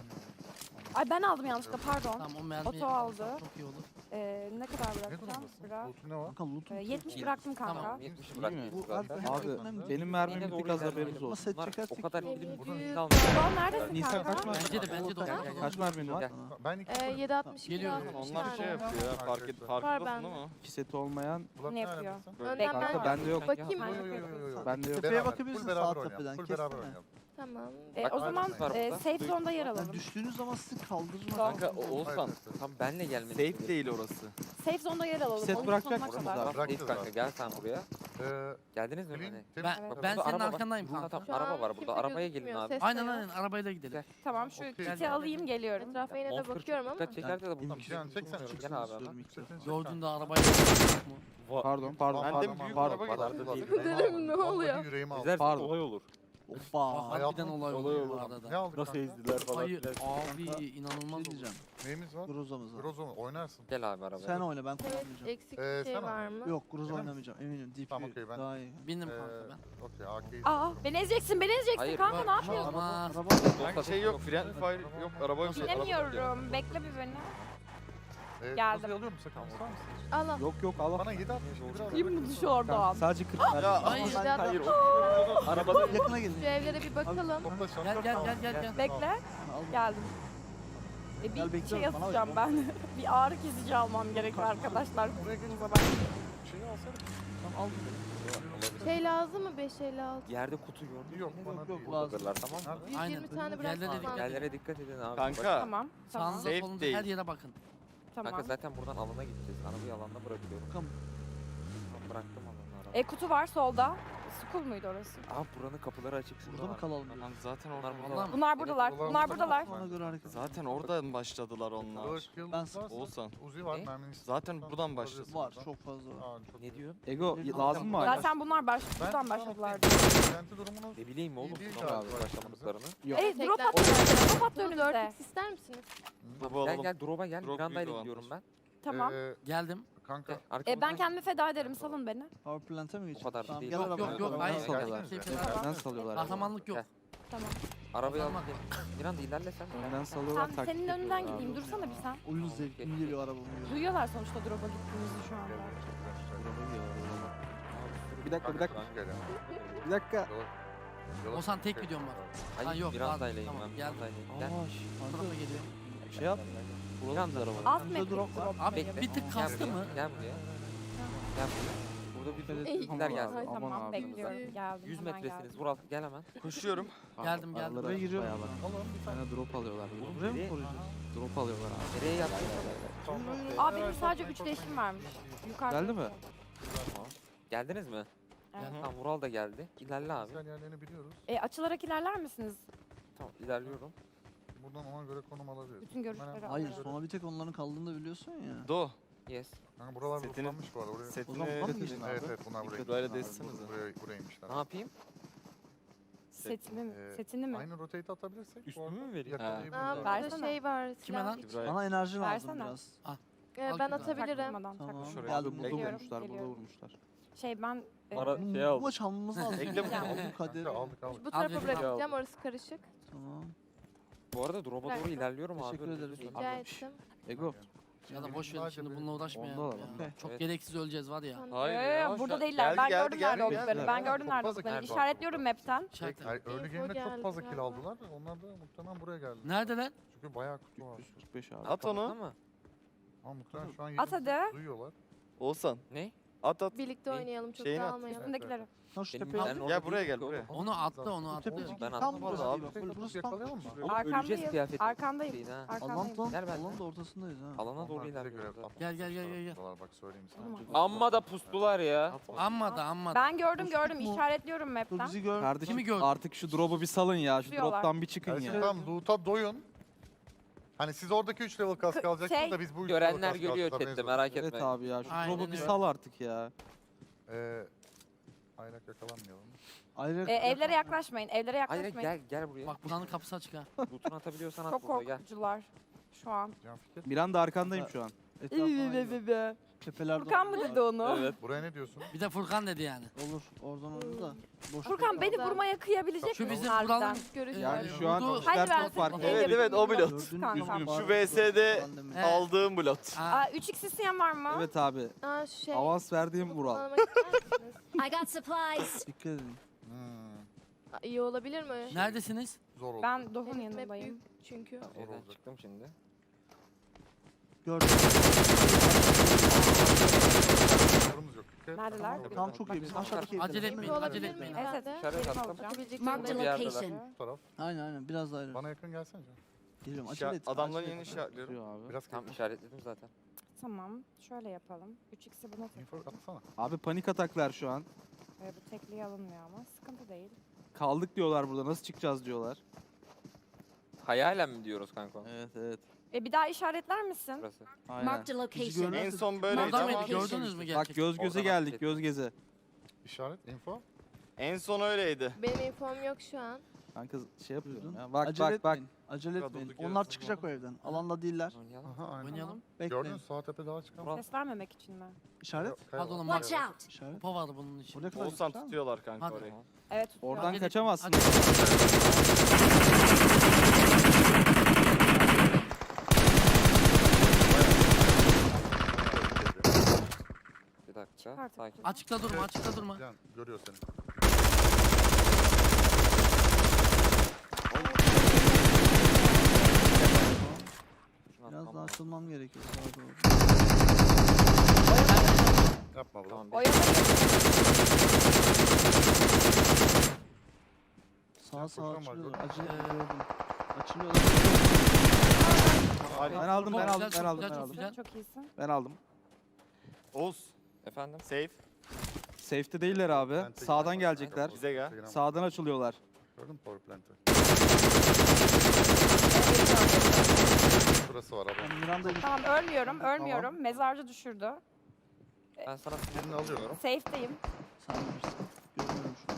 [SPEAKER 3] Ay ben aldım yanlışlıkla pardon.
[SPEAKER 4] Tamam o mermiyi
[SPEAKER 3] Oto aldı.
[SPEAKER 4] çok iyi olur.
[SPEAKER 3] Ee, ne kadar
[SPEAKER 5] Ne
[SPEAKER 3] bırakacağım?
[SPEAKER 5] durumdasın?
[SPEAKER 3] Bırak.
[SPEAKER 5] Loot'un ne var?
[SPEAKER 2] Kanka loot'un
[SPEAKER 3] Ee,
[SPEAKER 2] çok
[SPEAKER 3] yetmiş
[SPEAKER 2] iyi.
[SPEAKER 3] bıraktım kanka.
[SPEAKER 1] Tamam yetmişi
[SPEAKER 6] İyi mi?
[SPEAKER 1] bıraktım.
[SPEAKER 2] Bu
[SPEAKER 1] zaten.
[SPEAKER 2] Alper-
[SPEAKER 6] Abi
[SPEAKER 2] Önemli.
[SPEAKER 6] benim
[SPEAKER 1] Yine
[SPEAKER 6] mermim bir
[SPEAKER 1] doğru
[SPEAKER 6] tık az
[SPEAKER 1] ilerleyelim.
[SPEAKER 6] haberiniz
[SPEAKER 2] Ama
[SPEAKER 6] olsun.
[SPEAKER 2] set
[SPEAKER 1] Bunlar
[SPEAKER 2] çekersek
[SPEAKER 1] o kadar
[SPEAKER 7] iyi.
[SPEAKER 1] ilim uzun
[SPEAKER 7] Elli
[SPEAKER 1] silah
[SPEAKER 7] yüz.
[SPEAKER 1] almış.
[SPEAKER 3] Ulan neredesin
[SPEAKER 6] Nisan
[SPEAKER 3] kanka?
[SPEAKER 6] kaç mermi?
[SPEAKER 4] Bence de bence de
[SPEAKER 1] Gel,
[SPEAKER 4] o.
[SPEAKER 1] gel, gel.
[SPEAKER 6] Kaç mermin var?
[SPEAKER 1] Gel.
[SPEAKER 5] Ben iki
[SPEAKER 7] Ee, yedi altmış iki
[SPEAKER 4] Geliyor.
[SPEAKER 7] altmış
[SPEAKER 6] Onlar
[SPEAKER 7] tane.
[SPEAKER 6] şey yapıyor ya fark et
[SPEAKER 7] Var
[SPEAKER 6] farkındasın
[SPEAKER 7] bende.
[SPEAKER 6] değil mi? İki seti olmayan
[SPEAKER 5] Bulat
[SPEAKER 3] Ne yapıyor?
[SPEAKER 5] alakası?
[SPEAKER 7] Önden
[SPEAKER 6] Kanka
[SPEAKER 7] ben
[SPEAKER 6] bende yok.
[SPEAKER 7] bakayım
[SPEAKER 1] Ya,
[SPEAKER 7] mı?
[SPEAKER 5] Yo, yo, yo, yo, yo.
[SPEAKER 6] Bende yok.
[SPEAKER 2] Tepeye
[SPEAKER 5] Beraber,
[SPEAKER 2] bakabilirsin
[SPEAKER 5] full beraber
[SPEAKER 2] sağ
[SPEAKER 5] oynayalım,
[SPEAKER 2] tepeden,
[SPEAKER 5] full
[SPEAKER 2] kestin
[SPEAKER 5] beraber
[SPEAKER 2] mi?
[SPEAKER 5] oynayalım.
[SPEAKER 7] Tamam.
[SPEAKER 3] Ee,
[SPEAKER 1] Bak,
[SPEAKER 3] o zaman
[SPEAKER 1] var
[SPEAKER 3] e,
[SPEAKER 1] burada.
[SPEAKER 3] safe zone'da yer alalım.
[SPEAKER 2] Yani düştüğünüz zaman sizi kaldırma.
[SPEAKER 6] Kanka o
[SPEAKER 5] Hayır,
[SPEAKER 6] Oğuzhan.
[SPEAKER 5] hayır, hayır.
[SPEAKER 1] Tam benle gelmeni
[SPEAKER 6] Safe
[SPEAKER 1] istiyorum.
[SPEAKER 6] değil orası.
[SPEAKER 3] Safe zone'da yer alalım.
[SPEAKER 6] Set
[SPEAKER 3] Onun
[SPEAKER 6] bırakacak
[SPEAKER 3] sonuna
[SPEAKER 6] mısınız
[SPEAKER 3] kadar.
[SPEAKER 6] abi?
[SPEAKER 1] Bırak
[SPEAKER 5] Bıraktık
[SPEAKER 1] kanka
[SPEAKER 5] zaten.
[SPEAKER 1] gel sen buraya.
[SPEAKER 5] Ee,
[SPEAKER 1] Geldiniz mi?
[SPEAKER 5] Clean,
[SPEAKER 1] Hani?
[SPEAKER 5] temiz.
[SPEAKER 4] Ben,
[SPEAKER 3] Evet.
[SPEAKER 1] Bak,
[SPEAKER 4] ben
[SPEAKER 1] burada
[SPEAKER 4] senin
[SPEAKER 1] araba var.
[SPEAKER 4] arkandayım
[SPEAKER 1] Burada
[SPEAKER 4] kanka.
[SPEAKER 1] tam araba var burada.
[SPEAKER 7] kimse
[SPEAKER 1] Arabaya gelin
[SPEAKER 7] gözükmüyor,
[SPEAKER 1] abi.
[SPEAKER 7] ses de
[SPEAKER 4] Aynen
[SPEAKER 7] yok.
[SPEAKER 4] aynen arabayla gidelim.
[SPEAKER 3] Tamam şu
[SPEAKER 5] Okey.
[SPEAKER 3] kiti alayım geliyorum.
[SPEAKER 7] Etrafa yine de
[SPEAKER 1] Monster
[SPEAKER 7] bakıyorum ama.
[SPEAKER 1] dikkat çeker de de buradan
[SPEAKER 2] Yani
[SPEAKER 1] bir şey
[SPEAKER 5] Yani çeksen
[SPEAKER 1] bulmuyorum.
[SPEAKER 5] çıksın
[SPEAKER 1] Gel abi
[SPEAKER 2] istiyorum
[SPEAKER 1] hemen.
[SPEAKER 2] ilk defa.
[SPEAKER 4] Gördüğünde arabayla gidelim mu?
[SPEAKER 6] Pardon pardon
[SPEAKER 5] Benden
[SPEAKER 6] pardon
[SPEAKER 5] büyük
[SPEAKER 6] pardon.
[SPEAKER 5] araba
[SPEAKER 6] pardon.
[SPEAKER 5] geldi.
[SPEAKER 1] değil.
[SPEAKER 7] Gidelim, ne oluyor?
[SPEAKER 5] Yüreğimi aldı.
[SPEAKER 1] İzler
[SPEAKER 6] Pardon.
[SPEAKER 1] olay olur.
[SPEAKER 2] Hoppa.
[SPEAKER 4] Harbiden olay oluyor bu
[SPEAKER 5] Ne
[SPEAKER 4] arada.
[SPEAKER 5] aldık kanka?
[SPEAKER 6] ezdiler
[SPEAKER 4] Hayır abi
[SPEAKER 2] Kanka,
[SPEAKER 4] inanılmaz
[SPEAKER 2] Ne
[SPEAKER 4] oldu.
[SPEAKER 2] diyeceğim?
[SPEAKER 5] Neyimiz var?
[SPEAKER 2] Groza'mız var.
[SPEAKER 5] Grozo mu? Oynarsın.
[SPEAKER 1] Gel abi arabaya.
[SPEAKER 2] Sen oyna ben
[SPEAKER 7] Evet,
[SPEAKER 2] kullanmayacağım.
[SPEAKER 7] eksik
[SPEAKER 5] Ee,
[SPEAKER 7] bir şey
[SPEAKER 5] sen al.
[SPEAKER 7] var mı?
[SPEAKER 2] Yok Groza
[SPEAKER 5] Emin misin?
[SPEAKER 2] oynamayacağım eminim. D P
[SPEAKER 5] Tamam, okey, ben-
[SPEAKER 2] daha iyi.
[SPEAKER 4] Bindim
[SPEAKER 5] Ee,
[SPEAKER 4] kanka ben.
[SPEAKER 5] Okey A K'yi
[SPEAKER 3] Aa beni ezeceksin beni ezeceksin
[SPEAKER 1] Hayır,
[SPEAKER 3] kanka
[SPEAKER 4] bak,
[SPEAKER 3] ne yapıyorsun?
[SPEAKER 4] Olmaz.
[SPEAKER 2] Araba
[SPEAKER 6] Kanka şey yok friendly fire yok araba yok.
[SPEAKER 3] Dinlemiyorum. Bekle bir beni.
[SPEAKER 5] Ee,
[SPEAKER 3] Geldim.
[SPEAKER 5] Grozo'yu alıyorum sakın. İster misin?
[SPEAKER 7] Al al.
[SPEAKER 6] Yok yok Allah.
[SPEAKER 5] Bana yedi altmış bir lira
[SPEAKER 3] Kim bu dışarıdan?
[SPEAKER 6] Sadece kırk mermi.
[SPEAKER 4] Hayır.
[SPEAKER 7] Hayır.
[SPEAKER 6] Hayır.
[SPEAKER 2] Arabada yakına gelin.
[SPEAKER 7] Şu evlere bir bakalım.
[SPEAKER 5] Topla şans.
[SPEAKER 4] Gel gel gel gel gel.
[SPEAKER 3] Bekle.
[SPEAKER 2] Al.
[SPEAKER 3] Geldim. E
[SPEAKER 2] Gel
[SPEAKER 3] bir şey
[SPEAKER 2] bekliyorum, bana bak.
[SPEAKER 3] yazacağım ben. bir ağrı kesici almam gerekiyor arkadaşlar.
[SPEAKER 5] Buraya geç.
[SPEAKER 3] Kutunuza bak.
[SPEAKER 5] Şeyi alsana.
[SPEAKER 2] Tamam al.
[SPEAKER 7] Şey lazım mı? beş elli altı.
[SPEAKER 1] Yerde kutu gördün.
[SPEAKER 5] Yok,
[SPEAKER 1] Yine
[SPEAKER 5] bana
[SPEAKER 1] yok,
[SPEAKER 5] değil.
[SPEAKER 1] yok. Bakırlar tamam mı?
[SPEAKER 5] Nerede?
[SPEAKER 7] yüz
[SPEAKER 4] Aynen.
[SPEAKER 7] yirmi tane
[SPEAKER 4] Yerlere
[SPEAKER 7] bıraktım.
[SPEAKER 4] dikkat
[SPEAKER 7] abi.
[SPEAKER 1] Yerlere dikkat edin abi. Bak,
[SPEAKER 6] Kanka.
[SPEAKER 3] Tamam. Tamam.
[SPEAKER 4] Sağınıza
[SPEAKER 6] Safe
[SPEAKER 4] solunuza
[SPEAKER 6] değil.
[SPEAKER 4] her yere bakın.
[SPEAKER 3] Tamam.
[SPEAKER 1] Kanka zaten buradan alana gideceğiz. Arabayı alanda bırakıyorum.
[SPEAKER 2] Tamam.
[SPEAKER 1] Tamam, bıraktım alana arabayı.
[SPEAKER 3] E kutu var solda. School muydu orası?
[SPEAKER 1] Abi buranın kapıları açık. şurada
[SPEAKER 2] Burada mı
[SPEAKER 1] var.
[SPEAKER 2] kalalım?
[SPEAKER 6] Tamam zaten
[SPEAKER 1] Onlar
[SPEAKER 6] orada.
[SPEAKER 1] burada.
[SPEAKER 4] Vallahi mi?
[SPEAKER 3] Bunlar buradalar.
[SPEAKER 5] buralar-
[SPEAKER 3] Bunlar buradalar.
[SPEAKER 2] Ona göre hareket.
[SPEAKER 6] Zaten oradan başladılar onlar.
[SPEAKER 5] Dört yıl
[SPEAKER 2] Ben-
[SPEAKER 5] varsa
[SPEAKER 6] Oğuzhan.
[SPEAKER 5] Uzi var
[SPEAKER 1] Ne?
[SPEAKER 5] merminin
[SPEAKER 6] Zaten buradan başladı.
[SPEAKER 2] Var çok fazla var.
[SPEAKER 5] Aa, çok
[SPEAKER 1] Ne diyorsun?
[SPEAKER 6] Ego
[SPEAKER 2] Zaten
[SPEAKER 6] lazım mı hala?
[SPEAKER 3] Zaten bunlar baş,
[SPEAKER 5] Ben
[SPEAKER 3] buradan
[SPEAKER 5] sana
[SPEAKER 3] başladılar.
[SPEAKER 5] Beklenti durumunuz
[SPEAKER 1] Ne bileyim oğlum.
[SPEAKER 5] değil
[SPEAKER 1] Tamam abi
[SPEAKER 5] galiba.
[SPEAKER 1] başlamadıklarını.
[SPEAKER 6] Yok.
[SPEAKER 3] E drop
[SPEAKER 7] Tekrar-
[SPEAKER 3] attı. Drop attı
[SPEAKER 7] Dört
[SPEAKER 3] önümüze.
[SPEAKER 7] x ister misiniz?
[SPEAKER 6] Topu
[SPEAKER 1] Gel
[SPEAKER 6] alalım.
[SPEAKER 1] gel drop'a gel.
[SPEAKER 6] Drop
[SPEAKER 1] Miranda ile
[SPEAKER 6] büyük
[SPEAKER 1] gidiyorum ben.
[SPEAKER 3] Tamam.
[SPEAKER 5] Ee,
[SPEAKER 4] Geldim.
[SPEAKER 5] kanka
[SPEAKER 1] Gel.
[SPEAKER 3] E
[SPEAKER 1] arkamızdan-
[SPEAKER 3] ben kendimi feda ederim. Salın beni.
[SPEAKER 2] Power plant'e mi geçelim?
[SPEAKER 1] kadar da
[SPEAKER 2] Tamam,
[SPEAKER 1] değil.
[SPEAKER 2] gel
[SPEAKER 4] Yok
[SPEAKER 2] arabaya.
[SPEAKER 4] yok yok.
[SPEAKER 1] Arabaya
[SPEAKER 4] Hayır.
[SPEAKER 1] gel,
[SPEAKER 6] salıyorlar.
[SPEAKER 4] Şey
[SPEAKER 1] gel.
[SPEAKER 4] falan.
[SPEAKER 6] Önden salıyorlar.
[SPEAKER 4] Kahramanlık yok.
[SPEAKER 1] Gel.
[SPEAKER 3] Tamam.
[SPEAKER 1] Arabayı al.
[SPEAKER 4] Tamam.
[SPEAKER 1] Miranda ilerle sen.
[SPEAKER 6] Önden salıyorlar.
[SPEAKER 3] Sen,
[SPEAKER 6] taktik
[SPEAKER 3] senin önünden
[SPEAKER 6] yapıyorlar
[SPEAKER 3] gideyim.
[SPEAKER 6] abi.
[SPEAKER 3] Dursana bir sen.
[SPEAKER 2] Oyun zevkli geliyor arabamı.
[SPEAKER 3] Duyuyorlar sonuçta drop'a gittiğimizi şu anda.
[SPEAKER 6] Bir dakika bir dakika. Bir dakika.
[SPEAKER 4] Oğuzhan tek gidiyorum bak.
[SPEAKER 1] Hayır
[SPEAKER 4] Ha, yok,
[SPEAKER 1] Miranda
[SPEAKER 4] al,
[SPEAKER 1] ileyim
[SPEAKER 4] tamam,
[SPEAKER 1] ben.
[SPEAKER 4] gel.
[SPEAKER 1] Miranda ileyim. Gel.
[SPEAKER 4] Bu tarafa geliyor.
[SPEAKER 6] Şey yap.
[SPEAKER 1] Miranda araba.
[SPEAKER 3] Alt
[SPEAKER 2] Önümüzde
[SPEAKER 3] metrik
[SPEAKER 2] drop var.
[SPEAKER 3] drop.
[SPEAKER 4] Abi
[SPEAKER 3] benim.
[SPEAKER 4] bir tık
[SPEAKER 1] Gel
[SPEAKER 4] kastı
[SPEAKER 1] buraya,
[SPEAKER 4] mı?
[SPEAKER 1] Gel buraya. Gel buraya. Burada bir sürü
[SPEAKER 7] Ey,
[SPEAKER 1] bizler geldi.
[SPEAKER 7] Ay,
[SPEAKER 6] Aman
[SPEAKER 3] Tamam
[SPEAKER 6] abi.
[SPEAKER 3] bekliyorum. Geldim.
[SPEAKER 1] yüz
[SPEAKER 3] hemen
[SPEAKER 1] metresiniz.
[SPEAKER 3] geldim.
[SPEAKER 1] Vural gel hemen.
[SPEAKER 6] Koşuyorum.
[SPEAKER 4] Geldim, geldim.
[SPEAKER 6] Aralara
[SPEAKER 2] Buraya giriyorum.
[SPEAKER 6] bayağı bak. Bir tane drop alıyorlar.
[SPEAKER 1] Oğlum,
[SPEAKER 2] Buraya mı
[SPEAKER 1] nereye-
[SPEAKER 2] koruyacağız?
[SPEAKER 6] Drop alıyorlar abi.
[SPEAKER 1] Nereye yattın?
[SPEAKER 3] Aa benim sadece üç leşim varmış. Yukarıda.
[SPEAKER 6] Geldi mi?
[SPEAKER 1] Tamam. Geldiniz mi?
[SPEAKER 3] Evet.
[SPEAKER 1] Tamam Vural da geldi. İlerle abi.
[SPEAKER 5] Güzel yerlerini biliyoruz.
[SPEAKER 3] E, açılarak ilerler misiniz?
[SPEAKER 1] Tamam ilerliyorum.
[SPEAKER 5] Buradan ona göre konum alabiliriz.
[SPEAKER 3] Bütün görüşleri
[SPEAKER 5] Hemen-
[SPEAKER 2] Hayır
[SPEAKER 3] alıyorum.
[SPEAKER 2] sonra bir tek onların kaldığını da biliyorsun ya.
[SPEAKER 6] Do.
[SPEAKER 1] Yes.
[SPEAKER 5] Kanka buralar
[SPEAKER 6] Setini-
[SPEAKER 5] lootlanmış bu arada. Oraya...
[SPEAKER 6] Setini...
[SPEAKER 2] O zaman buradan mı geçtin abi?
[SPEAKER 5] Evet evet bunlar buraya.
[SPEAKER 6] Dikkat öyle
[SPEAKER 5] gitmişler.
[SPEAKER 6] desenize.
[SPEAKER 5] Buraya, buraya inmişler.
[SPEAKER 1] Ne yapayım?
[SPEAKER 3] Setimi mi?
[SPEAKER 5] Ee,
[SPEAKER 3] Setini mi?
[SPEAKER 5] Aynı rotate atabilirsek. bu
[SPEAKER 1] Üstümü
[SPEAKER 5] arada
[SPEAKER 1] mü vereyim?
[SPEAKER 5] yakalayabiliriz
[SPEAKER 7] Aa
[SPEAKER 5] abi.
[SPEAKER 7] burada
[SPEAKER 3] Versene.
[SPEAKER 7] şey var.
[SPEAKER 4] Kime
[SPEAKER 7] silah
[SPEAKER 4] lan?
[SPEAKER 7] iç-
[SPEAKER 6] İbrahim.
[SPEAKER 2] Bana enerji lazım
[SPEAKER 3] Versene.
[SPEAKER 2] biraz.
[SPEAKER 7] Ee, ben
[SPEAKER 4] Al
[SPEAKER 7] atabilirim.
[SPEAKER 3] Çaktırmadan,
[SPEAKER 2] Tamam.
[SPEAKER 3] çaktırmadan.
[SPEAKER 6] Şuraya.
[SPEAKER 2] Geldim
[SPEAKER 6] Abi
[SPEAKER 2] burada
[SPEAKER 6] burada
[SPEAKER 3] Bekliyorum,
[SPEAKER 6] vurmuşlar, burada
[SPEAKER 3] geliyorum.
[SPEAKER 6] vurmuşlar.
[SPEAKER 3] Şey ben... e,
[SPEAKER 1] Ara-
[SPEAKER 2] Bu,
[SPEAKER 1] Şey al.
[SPEAKER 2] bu maç almamız lazım.
[SPEAKER 6] Bekle bu.
[SPEAKER 2] Yani bu kaderi.
[SPEAKER 5] Kanka aldık aldık.
[SPEAKER 7] Bu tarafa
[SPEAKER 4] dedim,
[SPEAKER 7] bırakacağım orası karışık.
[SPEAKER 2] Tamam.
[SPEAKER 1] Bu arada drop'a doğru
[SPEAKER 7] Bırak.
[SPEAKER 1] ilerliyorum abi.
[SPEAKER 2] Teşekkür
[SPEAKER 1] öyle
[SPEAKER 2] ederiz.
[SPEAKER 1] söyleyeyim.
[SPEAKER 7] Rica
[SPEAKER 6] Abi,
[SPEAKER 7] ettim.
[SPEAKER 6] Ego.
[SPEAKER 4] Ya da boş ver şimdi bununla uğraşmayalım
[SPEAKER 6] Onda da
[SPEAKER 4] ya.
[SPEAKER 2] var.
[SPEAKER 4] Çok
[SPEAKER 1] Evet.
[SPEAKER 4] gereksiz öleceğiz var ya.
[SPEAKER 3] Hayır
[SPEAKER 8] Hayır ya,
[SPEAKER 3] burada
[SPEAKER 8] şu-
[SPEAKER 3] değiller.
[SPEAKER 8] Geldi,
[SPEAKER 3] ben
[SPEAKER 8] geldi,
[SPEAKER 3] gördüm
[SPEAKER 8] geldi,
[SPEAKER 3] nerede
[SPEAKER 8] geldi.
[SPEAKER 3] olduklarını. Ben gördüm
[SPEAKER 5] Çok
[SPEAKER 3] nerede
[SPEAKER 5] fazla
[SPEAKER 3] olduklarını.
[SPEAKER 5] kill var
[SPEAKER 3] İşaretliyorum
[SPEAKER 5] burada.
[SPEAKER 3] map'ten.
[SPEAKER 4] İşaret.
[SPEAKER 5] Hayır, early
[SPEAKER 7] Info
[SPEAKER 5] game'de çok
[SPEAKER 7] geldi
[SPEAKER 5] fazla kill
[SPEAKER 7] galiba.
[SPEAKER 5] aldılar. Onlar da muhtemelen buraya geldi.
[SPEAKER 4] Nerede lan?
[SPEAKER 5] Çünkü bayağı kutu var.
[SPEAKER 6] üç yüz kırk beş abi.
[SPEAKER 8] At onu.
[SPEAKER 1] Değil mi?
[SPEAKER 5] Ama muhtemelen şu an
[SPEAKER 3] At
[SPEAKER 5] yerimizi
[SPEAKER 3] hadi.
[SPEAKER 5] duyuyorlar.
[SPEAKER 8] Oğuzhan.
[SPEAKER 1] Ne?
[SPEAKER 8] At at.
[SPEAKER 7] Birlikte
[SPEAKER 1] Ne?
[SPEAKER 7] oynayalım çok
[SPEAKER 8] Şeyini at.
[SPEAKER 7] dağılmayalım.
[SPEAKER 3] Üstündekileri.
[SPEAKER 2] Lan şu
[SPEAKER 1] Benim
[SPEAKER 2] tepe
[SPEAKER 1] ben orada
[SPEAKER 8] Gel buraya
[SPEAKER 1] değilim
[SPEAKER 8] gel,
[SPEAKER 1] ki
[SPEAKER 8] buraya.
[SPEAKER 1] oğlum.
[SPEAKER 4] Onu attı onu
[SPEAKER 2] Bu
[SPEAKER 4] attı.
[SPEAKER 2] tepecik
[SPEAKER 1] Ben
[SPEAKER 2] tam
[SPEAKER 1] atladım
[SPEAKER 2] burası
[SPEAKER 8] abi.
[SPEAKER 2] abi. Bak burası tam.
[SPEAKER 5] Yakalayalım mı?
[SPEAKER 1] Oğlum öleceğiz
[SPEAKER 3] Arkandayım.
[SPEAKER 1] kıyafet.
[SPEAKER 3] Arkandayım.
[SPEAKER 1] Şeyin ha.
[SPEAKER 2] Alan
[SPEAKER 3] Arkandayım.
[SPEAKER 2] lan.
[SPEAKER 1] Gel benden.
[SPEAKER 2] Alan da ortasındayız ha.
[SPEAKER 1] Alana
[SPEAKER 5] Onlar
[SPEAKER 1] doğru
[SPEAKER 5] bize
[SPEAKER 1] ilerliyoruz
[SPEAKER 5] göre
[SPEAKER 1] zaten.
[SPEAKER 5] tatlı
[SPEAKER 4] Gel, gel, gel, gel, gel.
[SPEAKER 5] tuttular, Bak söyleyeyim sana.
[SPEAKER 3] Tamam.
[SPEAKER 1] Amma da pustular ya.
[SPEAKER 4] Amma da amma da.
[SPEAKER 3] Ben gördüm
[SPEAKER 2] Pustuk
[SPEAKER 3] gördüm.
[SPEAKER 2] mu?
[SPEAKER 3] İşaretliyorum
[SPEAKER 2] Dur
[SPEAKER 3] map'ten.
[SPEAKER 2] bizi gör.
[SPEAKER 6] Kardeşim
[SPEAKER 4] Kimi gördün?
[SPEAKER 6] artık şu drop'u bir salın ya. Şu
[SPEAKER 3] Tutuyorlar.
[SPEAKER 6] drop'tan bir çıkın
[SPEAKER 5] Ersin
[SPEAKER 6] ya.
[SPEAKER 5] tamam loot'a doyun. Hani siz oradaki üç level kask
[SPEAKER 3] K-
[SPEAKER 5] alacaksınız
[SPEAKER 3] şey-
[SPEAKER 5] da biz bu üç level
[SPEAKER 1] Görenler
[SPEAKER 5] kask
[SPEAKER 1] görüyor
[SPEAKER 5] alacağız,
[SPEAKER 1] chatte
[SPEAKER 5] haberiniz
[SPEAKER 1] merak
[SPEAKER 6] Evet
[SPEAKER 1] etme.
[SPEAKER 6] abi ya. Şu
[SPEAKER 4] Aynen
[SPEAKER 6] drop'u bir
[SPEAKER 4] öyle.
[SPEAKER 6] sal artık ya.
[SPEAKER 5] olsun. Ee, aylak yakalanmayalım.
[SPEAKER 2] Ayrı.
[SPEAKER 3] E, evlere yaklaşmayın. Evlere
[SPEAKER 1] Hayır
[SPEAKER 3] yaklaşmayın.
[SPEAKER 1] gel gel buraya.
[SPEAKER 4] Bak buranın kapısı açık ha.
[SPEAKER 1] Loot'unu atabiliyorsan at
[SPEAKER 3] Çok
[SPEAKER 1] burada gel.
[SPEAKER 3] korkutucular şu an.
[SPEAKER 5] Can Fikret.
[SPEAKER 6] Miranda arkandayım şu an.
[SPEAKER 2] Etrafına ayrı. Tepelerde
[SPEAKER 3] Furkan mı dedi onu?
[SPEAKER 1] Evet.
[SPEAKER 5] Buraya ne diyorsun?
[SPEAKER 4] Bir de Furkan dedi yani.
[SPEAKER 2] Olur. Oradan olur da. Boş
[SPEAKER 3] Furkan beni
[SPEAKER 7] Güzel.
[SPEAKER 3] vurmaya kıyabilecek
[SPEAKER 4] Şu
[SPEAKER 3] misin
[SPEAKER 4] bizim
[SPEAKER 3] harbiden?
[SPEAKER 4] buranın
[SPEAKER 7] Görüşürüz.
[SPEAKER 6] Yani
[SPEAKER 4] Ee,
[SPEAKER 6] şu an
[SPEAKER 4] Vurdu-
[SPEAKER 6] işler
[SPEAKER 3] Hayır, ben
[SPEAKER 6] çok farklı.
[SPEAKER 3] size-
[SPEAKER 8] Evet evet o blot.
[SPEAKER 2] Gördüğün
[SPEAKER 3] Kankam.
[SPEAKER 2] gibi
[SPEAKER 8] Şu
[SPEAKER 2] var.
[SPEAKER 8] V S'de
[SPEAKER 2] Falan demek.
[SPEAKER 4] He.
[SPEAKER 8] aldığım blot.
[SPEAKER 4] Ha,
[SPEAKER 3] Aa, üç x isteyen var mı?
[SPEAKER 6] Evet abi.
[SPEAKER 7] Aa şu şey.
[SPEAKER 6] Avans verdiğim Vural.
[SPEAKER 7] kullanmak ister misiniz?
[SPEAKER 9] I got supplies.
[SPEAKER 2] Dikkat edin.
[SPEAKER 5] Hmm,
[SPEAKER 7] Aa, İyi olabilir mi?
[SPEAKER 4] neredesiniz?
[SPEAKER 5] zor oldu.
[SPEAKER 3] Ben Doğu'nun
[SPEAKER 7] Benim map
[SPEAKER 3] yanındayım.
[SPEAKER 7] büyük çünkü.
[SPEAKER 1] Evden
[SPEAKER 5] olacak.
[SPEAKER 1] çıktım şimdi.
[SPEAKER 2] Gördüm.
[SPEAKER 5] Sorumuz yok. Dikkat et.
[SPEAKER 3] Neredeler?
[SPEAKER 2] Tamam çok iyi. Biz aşağıdaki evlere.
[SPEAKER 4] Acele etmeyin,
[SPEAKER 7] Olabilir
[SPEAKER 4] acele
[SPEAKER 7] miyim
[SPEAKER 4] etmeyin.
[SPEAKER 7] ben
[SPEAKER 3] Evet,
[SPEAKER 7] de?
[SPEAKER 1] İşaret
[SPEAKER 3] Benim
[SPEAKER 1] attım.
[SPEAKER 3] alacağım.
[SPEAKER 7] Atabilecek
[SPEAKER 9] Marked a
[SPEAKER 1] Bir yerdeler.
[SPEAKER 9] location.
[SPEAKER 5] Bu taraf.
[SPEAKER 2] Aynen aynen. Biraz daha ayrı.
[SPEAKER 5] Bana yakın gelsene Can.
[SPEAKER 2] Geliyorum.
[SPEAKER 8] İşa-
[SPEAKER 2] Acele et.
[SPEAKER 8] adamların
[SPEAKER 2] acele
[SPEAKER 8] yerini
[SPEAKER 2] et.
[SPEAKER 8] işaretliyorum.
[SPEAKER 6] Duruyor abi.
[SPEAKER 5] Biraz
[SPEAKER 1] Tam
[SPEAKER 5] kayıp.
[SPEAKER 1] işaretledim zaten.
[SPEAKER 3] Tamam. Şöyle yapalım. üç x'i buna
[SPEAKER 5] Info
[SPEAKER 3] takalım.
[SPEAKER 5] atsana.
[SPEAKER 6] Abi panik ataklar şu an.
[SPEAKER 3] Ee, bu tekliği alınmıyor ama. Sıkıntı değil.
[SPEAKER 6] Kaldık diyorlar burada. Nasıl çıkacağız diyorlar.
[SPEAKER 1] Hayalen mi diyoruz kanka?
[SPEAKER 6] Evet evet.
[SPEAKER 3] E bir daha işaretler misin?
[SPEAKER 1] Burası.
[SPEAKER 6] Aynen.
[SPEAKER 9] Marked a location.
[SPEAKER 2] görüyor
[SPEAKER 8] En son böyleydi
[SPEAKER 4] Orada
[SPEAKER 9] Marked a
[SPEAKER 8] ama
[SPEAKER 4] mıydı?
[SPEAKER 9] location.
[SPEAKER 4] Gördünüz mü
[SPEAKER 6] Bak
[SPEAKER 4] gerçekten?
[SPEAKER 6] göz göze
[SPEAKER 1] Oradan
[SPEAKER 6] geldik
[SPEAKER 1] atlet.
[SPEAKER 6] göz geze.
[SPEAKER 5] İşaret, info.
[SPEAKER 8] en son öyleydi.
[SPEAKER 7] Benim infom yok şu an.
[SPEAKER 6] Kanka şey yapıyorum
[SPEAKER 2] Buyurun.
[SPEAKER 6] ya. Bak
[SPEAKER 2] Acele
[SPEAKER 6] bak bak.
[SPEAKER 2] etmeyin. Acele
[SPEAKER 5] Kadın
[SPEAKER 2] etmeyin.
[SPEAKER 5] durduk
[SPEAKER 2] Onlar
[SPEAKER 5] yarısını
[SPEAKER 2] çıkacak o evden. Alanda değiller.
[SPEAKER 1] Oynayalım.
[SPEAKER 5] Aha aynen.
[SPEAKER 4] Oynayalım.
[SPEAKER 5] Gördün
[SPEAKER 2] Bekleyin.
[SPEAKER 5] mü? Sağ tepe daha çıkan.
[SPEAKER 1] Ulan.
[SPEAKER 3] Ses vermemek için mi?
[SPEAKER 2] İşaret.
[SPEAKER 4] Hadi oğlum,
[SPEAKER 9] Watch
[SPEAKER 4] Mark.
[SPEAKER 9] out.
[SPEAKER 2] İşaret.
[SPEAKER 4] Kupa vardı bunun için.
[SPEAKER 2] Oraya kadar
[SPEAKER 8] Oğuzhan
[SPEAKER 2] gitmişler mi?
[SPEAKER 8] tutuyorlar kanka
[SPEAKER 4] Hadi.
[SPEAKER 8] orayı.
[SPEAKER 3] Evet. tutuyor.
[SPEAKER 6] Oradan
[SPEAKER 4] Acele-
[SPEAKER 6] kaçamazsın.
[SPEAKER 4] acele-
[SPEAKER 1] Bir dakika.
[SPEAKER 3] Çıkart
[SPEAKER 1] Sakin.
[SPEAKER 3] bunu.
[SPEAKER 4] Açıkta durma, açıkta durma.
[SPEAKER 5] Can görüyor seni.
[SPEAKER 1] Şunu
[SPEAKER 2] Biraz
[SPEAKER 1] atmam
[SPEAKER 2] daha
[SPEAKER 1] lazım.
[SPEAKER 2] açılmam gerekiyor sağa doğru.
[SPEAKER 5] Yapma bunu.
[SPEAKER 1] Tamam. bir-
[SPEAKER 3] Oyalayın.
[SPEAKER 2] Sağa sağa
[SPEAKER 5] koşan var,
[SPEAKER 2] açılıyorlar.
[SPEAKER 5] gördün
[SPEAKER 2] Acele
[SPEAKER 4] Ee,
[SPEAKER 2] gördüm. Açılıyorlar.
[SPEAKER 8] Hadi.
[SPEAKER 6] Ben aldım ben
[SPEAKER 4] Çok
[SPEAKER 6] aldım
[SPEAKER 4] güzel,
[SPEAKER 6] ben
[SPEAKER 4] çok
[SPEAKER 6] aldım ben
[SPEAKER 4] güzel, çok
[SPEAKER 6] aldım.
[SPEAKER 4] güzel.
[SPEAKER 3] Çok iyisin.
[SPEAKER 6] Ben aldım.
[SPEAKER 8] Oğuz.
[SPEAKER 1] Efendim?
[SPEAKER 8] Safe.
[SPEAKER 6] Safe'te değiller abi.
[SPEAKER 5] Ben tek-
[SPEAKER 6] Sağdan gelecekler.
[SPEAKER 8] Bize gel.
[SPEAKER 6] Sağdan açılıyorlar.
[SPEAKER 5] Gördün mü power plant'ı? Burası var abi.
[SPEAKER 2] Ben Miranda'yı
[SPEAKER 3] Tamam ölmüyorum, ölmüyorum. Mezarcı düşürdü.
[SPEAKER 1] Ben sana
[SPEAKER 5] Birini alıyorum.
[SPEAKER 3] Safe'deyim.
[SPEAKER 2] Sen bilirsin. Görmüyorum şu an.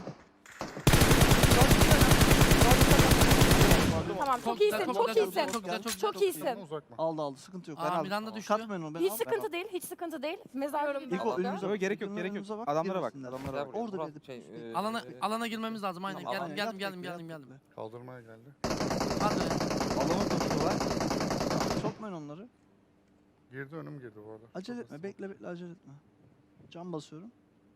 [SPEAKER 3] Tamam çok
[SPEAKER 4] güzel,
[SPEAKER 3] iyisin,
[SPEAKER 4] çok
[SPEAKER 3] çok
[SPEAKER 4] güzel,
[SPEAKER 3] iyisin.
[SPEAKER 4] Çok güzel, çok güzel.
[SPEAKER 3] Çok iyisin.
[SPEAKER 5] Yakın mı, uzak mı?
[SPEAKER 2] Aldı aldı. Sıkıntı yok.
[SPEAKER 4] Aa,
[SPEAKER 2] Ben aldım.
[SPEAKER 4] Miranda düştü.
[SPEAKER 2] Katmayın onu. Ben
[SPEAKER 3] Hiç
[SPEAKER 2] aldım.
[SPEAKER 3] sıkıntı değil, hiç sıkıntı değil. Mezarcı gibi
[SPEAKER 2] İlko
[SPEAKER 3] oldu.
[SPEAKER 2] önümüze
[SPEAKER 6] Yok
[SPEAKER 2] bak.
[SPEAKER 6] gerek yok
[SPEAKER 2] İlko'nun
[SPEAKER 6] gerek yok.
[SPEAKER 2] önümüze bak,
[SPEAKER 6] Adamlara bak
[SPEAKER 2] girmesinler.
[SPEAKER 6] adamlara
[SPEAKER 1] Gel
[SPEAKER 6] bak.
[SPEAKER 1] buraya.
[SPEAKER 2] Orada
[SPEAKER 1] Murat,
[SPEAKER 2] bir de
[SPEAKER 1] şey,
[SPEAKER 2] pus-
[SPEAKER 1] e,
[SPEAKER 4] Alana,
[SPEAKER 1] e,
[SPEAKER 4] alana girmemiz lazım aynen.
[SPEAKER 1] Tamam,
[SPEAKER 4] Geldim,
[SPEAKER 1] alana-
[SPEAKER 4] geldim,
[SPEAKER 2] Yat
[SPEAKER 4] geldim,
[SPEAKER 2] bekle,
[SPEAKER 4] geldim,
[SPEAKER 2] yat
[SPEAKER 4] geldim.
[SPEAKER 2] bekle.
[SPEAKER 5] Kaldırmaya geldi.
[SPEAKER 4] Hadi.
[SPEAKER 6] Alanı tutuyorlar.
[SPEAKER 2] Sokmayın onları.
[SPEAKER 5] Girdi önüm girdi bu arada.
[SPEAKER 2] Acele
[SPEAKER 5] Çok
[SPEAKER 2] etme.
[SPEAKER 5] hızlı.
[SPEAKER 2] Bekle bekle acele etme. Cam basıyorum.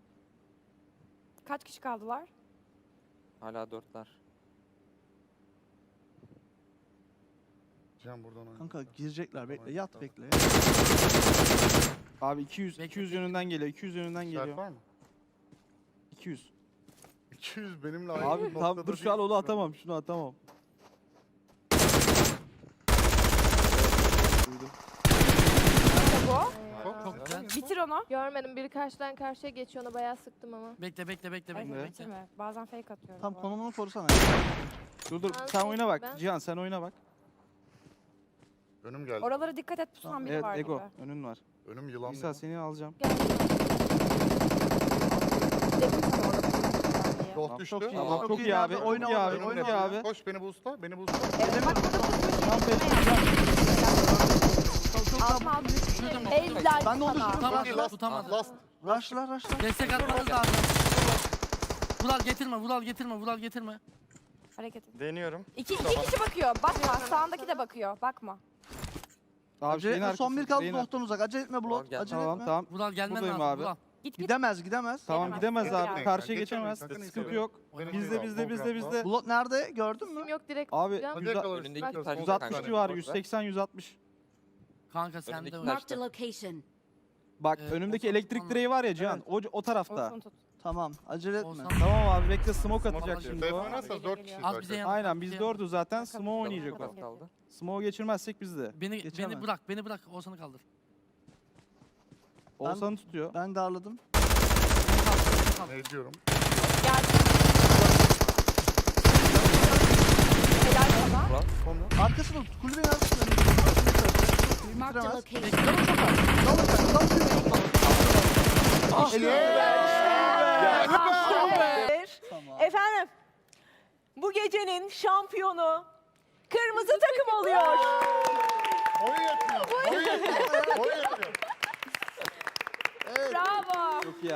[SPEAKER 3] Kaç kişi kaldılar?
[SPEAKER 1] Hala dörtler.
[SPEAKER 5] Can buradan oyna.
[SPEAKER 2] Kanka girecekler. Bekle. Yat
[SPEAKER 5] Tamam.
[SPEAKER 2] bekle.
[SPEAKER 6] Abi iki yüz
[SPEAKER 4] Bekle,
[SPEAKER 6] iki yüz
[SPEAKER 4] bekle.
[SPEAKER 6] yönünden geliyor. iki yüz yönünden
[SPEAKER 5] İşaret
[SPEAKER 6] geliyor.
[SPEAKER 5] var mı?
[SPEAKER 6] iki yüz.
[SPEAKER 5] iki yüz benimle aynı
[SPEAKER 6] Abi
[SPEAKER 5] noktada
[SPEAKER 6] tam dur şu an
[SPEAKER 5] değil.
[SPEAKER 6] onu atamam. Şunu atamam. Duydum.
[SPEAKER 3] İşte bu.
[SPEAKER 5] Çok
[SPEAKER 4] Çok güzel.
[SPEAKER 3] Bitir onu.
[SPEAKER 7] Görmedim biri karşıdan karşıya geçiyor ona bayağı sıktım ama.
[SPEAKER 4] Bekle, bekle, bekle,
[SPEAKER 3] Evet,
[SPEAKER 4] bekle,
[SPEAKER 6] Ne?
[SPEAKER 4] bekle.
[SPEAKER 3] bitirme. Bazen fake atıyorum.
[SPEAKER 2] Tam
[SPEAKER 3] bu arada.
[SPEAKER 2] konumunu korusana.
[SPEAKER 6] Dur dur
[SPEAKER 7] Ben
[SPEAKER 6] sen oyna bak.
[SPEAKER 7] ben-
[SPEAKER 6] Cihan sen oyna bak.
[SPEAKER 5] Önüm geldi.
[SPEAKER 3] Oralara dikkat et pusan
[SPEAKER 2] Tamam,
[SPEAKER 3] biri
[SPEAKER 6] Evet
[SPEAKER 3] var
[SPEAKER 6] Ego
[SPEAKER 3] gibi.
[SPEAKER 6] önün var.
[SPEAKER 5] Önüm yılan.
[SPEAKER 6] İsa seni alacağım.
[SPEAKER 7] Gel.
[SPEAKER 3] Dedim sana orada pusan diye.
[SPEAKER 5] Doh düştü.
[SPEAKER 2] Çok iyi.
[SPEAKER 6] Tamam
[SPEAKER 2] Çok
[SPEAKER 6] çok
[SPEAKER 2] iyi
[SPEAKER 6] iyi abi.
[SPEAKER 2] abi,
[SPEAKER 6] Çok
[SPEAKER 2] oyna
[SPEAKER 6] iyi abi.
[SPEAKER 2] oyna,
[SPEAKER 6] Çok
[SPEAKER 2] oyna
[SPEAKER 6] iyi abi.
[SPEAKER 5] Koş beni boostla. Beni boostla.
[SPEAKER 3] Evet bak burada pusmuş.
[SPEAKER 6] Tam
[SPEAKER 3] yetişme
[SPEAKER 6] pes-
[SPEAKER 3] yani. Altına altına.
[SPEAKER 4] Düşürdüm, düşürdüm.
[SPEAKER 3] Evler
[SPEAKER 2] Ben de onu
[SPEAKER 3] sana.
[SPEAKER 2] düşürdüm.
[SPEAKER 4] Tutamadı,
[SPEAKER 5] Çok iyi, last.
[SPEAKER 4] tutamadı.
[SPEAKER 5] Last.
[SPEAKER 2] Rush'la rush'la.
[SPEAKER 4] Destek atmanız lazım. Vural getirme, Vural getirme, Vural getirme.
[SPEAKER 3] Hareket et.
[SPEAKER 8] Deniyorum.
[SPEAKER 3] İki, iki kişi bakıyor. Bakma. Sağındaki de bakıyor. Bakma.
[SPEAKER 6] Abi
[SPEAKER 2] Acele
[SPEAKER 6] şeyin
[SPEAKER 2] etme. Son bir
[SPEAKER 6] arkası,
[SPEAKER 2] kaldı
[SPEAKER 6] şeyin
[SPEAKER 2] Bulat'tan uzak. Acele etme Bulat.
[SPEAKER 1] gel.
[SPEAKER 2] Acele
[SPEAKER 6] Tamam
[SPEAKER 2] etme.
[SPEAKER 6] tamam.
[SPEAKER 4] Vural gelmen
[SPEAKER 6] Buradayım
[SPEAKER 4] lazım.
[SPEAKER 6] abi.
[SPEAKER 4] Vural.
[SPEAKER 3] Git git.
[SPEAKER 2] Gidemez gidemez.
[SPEAKER 6] Tamam
[SPEAKER 3] Gidemez.
[SPEAKER 6] gidemez abi.
[SPEAKER 3] Gidemez.
[SPEAKER 6] Karşıya
[SPEAKER 5] Geçemeyin,
[SPEAKER 6] geçemez.
[SPEAKER 5] sakın
[SPEAKER 6] Sıkıntı
[SPEAKER 5] istemeyin.
[SPEAKER 6] yok.
[SPEAKER 4] Oynamayın.
[SPEAKER 6] Bizde
[SPEAKER 5] Tamam,
[SPEAKER 6] bizde bizde
[SPEAKER 5] program
[SPEAKER 6] bizde.
[SPEAKER 2] Bulat nerede? Gördün mü?
[SPEAKER 7] Kim yok direkt
[SPEAKER 6] Abi
[SPEAKER 7] tutacağım.
[SPEAKER 5] Hadi
[SPEAKER 6] yüz-
[SPEAKER 5] yakalarız.
[SPEAKER 1] Önündeki
[SPEAKER 7] Bak,
[SPEAKER 1] taş-
[SPEAKER 6] yüz altmış
[SPEAKER 1] Kanka,
[SPEAKER 6] civarı.
[SPEAKER 1] boş
[SPEAKER 6] yüz
[SPEAKER 1] ver.
[SPEAKER 6] seksen yüz altmış.
[SPEAKER 4] Kanka sende
[SPEAKER 1] Önündeki
[SPEAKER 4] o.
[SPEAKER 1] taş-
[SPEAKER 9] Marked a location.
[SPEAKER 6] Bak
[SPEAKER 4] Ee,
[SPEAKER 6] önümdeki
[SPEAKER 4] Oğuzhan
[SPEAKER 6] elektrik
[SPEAKER 4] tutman
[SPEAKER 6] direği var ya Cihan.
[SPEAKER 2] Evet.
[SPEAKER 6] O, o tarafta.
[SPEAKER 3] Olsun tut.
[SPEAKER 2] Tamam. Acele etme.
[SPEAKER 4] Oğuzhan-
[SPEAKER 6] Tamam abi bekle smoke atacak
[SPEAKER 4] atacak.
[SPEAKER 6] şimdi
[SPEAKER 5] Safe
[SPEAKER 6] o.
[SPEAKER 5] oynarsanız dört kişi
[SPEAKER 4] Az bize
[SPEAKER 5] zaten.
[SPEAKER 4] yan-
[SPEAKER 6] Aynen biz
[SPEAKER 4] bize-
[SPEAKER 6] dördü zaten.
[SPEAKER 3] Kanka,
[SPEAKER 6] Smoke
[SPEAKER 3] bize-
[SPEAKER 6] oynayacak
[SPEAKER 1] Çok
[SPEAKER 6] o.
[SPEAKER 1] az kaldı.
[SPEAKER 6] Smoke geçirmezsek bizde.
[SPEAKER 4] Beni
[SPEAKER 2] Geçemez.
[SPEAKER 4] beni bırak, beni bırak. Oğuzhan'ı kaldır.
[SPEAKER 6] Oğuzhan'ı tutuyor.
[SPEAKER 2] Ben darladım.
[SPEAKER 4] Beni kaldır.
[SPEAKER 5] Ne diyorum?
[SPEAKER 3] Helal sana.
[SPEAKER 1] Vural. Sonra.
[SPEAKER 2] Arkasını tut. Kulübenin arkasını.
[SPEAKER 9] Marked a
[SPEAKER 2] Bitiremez.
[SPEAKER 9] location.
[SPEAKER 2] Canı çok az. Dal sen. Dal Tamam.
[SPEAKER 3] Efendim, bu gecenin şampiyonu kırmızı takım oluyor.
[SPEAKER 5] Boyu yetmiyor. Boyu yetmiyor. Boyu yetmiyor.
[SPEAKER 3] Bravo.
[SPEAKER 6] Çok iyi.